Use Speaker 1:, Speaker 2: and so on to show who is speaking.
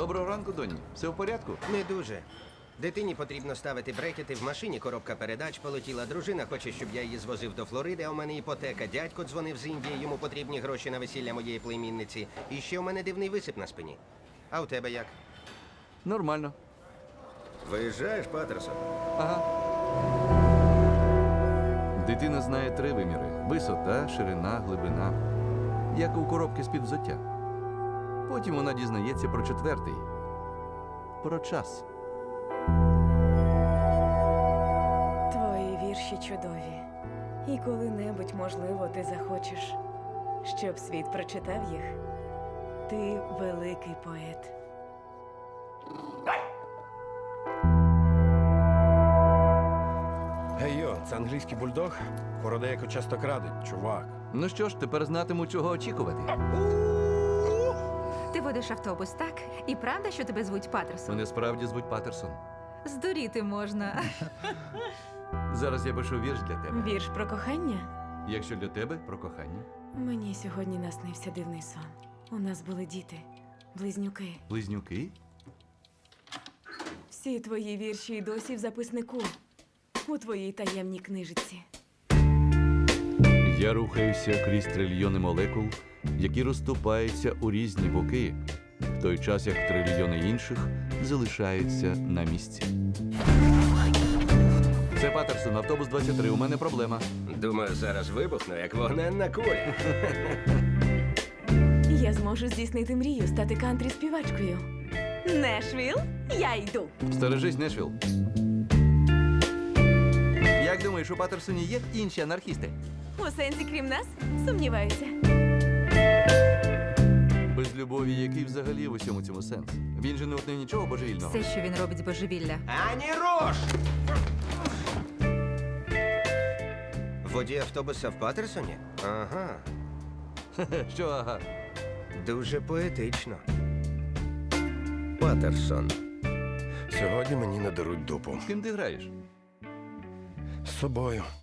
Speaker 1: Доброго ранку, доню. Все в порядку?
Speaker 2: Не дуже. Дитині потрібно ставити брекети, в машині коробка передач полетіла. Дружина хоче, щоб я її звозив до Флориди, а у мене іпотека. Дядько дзвонив з Індії, йому потрібні гроші на весілля моєї племінниці. І ще у мене дивний висип на спині. А у тебе як?
Speaker 1: Нормально.
Speaker 2: Виїжджаєш, Патерсон?
Speaker 1: Ага. Дитина знає 3 виміри: висота, ширина, глибина. Як у коробки з-під взуття. Потім вона дізнається про 4-й. Про час.
Speaker 3: Твої вірші чудові. І коли-небудь, можливо, ти захочеш, щоб світ прочитав їх. Ти великий поет.
Speaker 4: Гей йо, це англійський бульдог? Порода, яку часто крадуть, чувак.
Speaker 1: Ну що ж, тепер знатиму, чого очікувати.
Speaker 5: Ти водиш автобус, так? І правда, що тебе звуть Патерсон?
Speaker 1: Мене справді звуть Патерсон.
Speaker 5: Здуріти можна.
Speaker 1: Зараз я пишу вірш для тебе.
Speaker 3: Вірш про кохання?
Speaker 1: Якщо для тебе, про кохання.
Speaker 3: Мені сьогодні наснився дивний сон. У нас були діти, близнюки.
Speaker 1: Близнюки?
Speaker 3: Всі твої вірші й досі в записнику. У твоїй таємній книжиці.
Speaker 1: Я рухаюся крізь трильйони молекул, які розступаються у різні боки, в той час як трильйони інших залишаються на місці. Це Патерсон, автобус 23, у мене проблема.
Speaker 2: Думаю, зараз вибухну, як вогненна куля.
Speaker 3: Я зможу здійснити мрію, стати кантрі-співачкою. Нешвіл, я йду.
Speaker 1: Стережись, Нешвіл. Як думаєш, у Патерсоні є інші анархісти?
Speaker 3: У сенсі, крім нас, сумніваюся.
Speaker 1: Без любові, який взагалі в усьому цьому сенс? Він же не утнив нічого божевільного.
Speaker 5: Все, що він робить з божевілля.
Speaker 2: Ані рош! Водій автобуса в Патерсоні? Ага,
Speaker 1: Що, ага?
Speaker 2: дуже поетично. Патерсон.
Speaker 4: Сьогодні мені надаруть дупу.
Speaker 1: З ким ти граєш?
Speaker 4: З собою.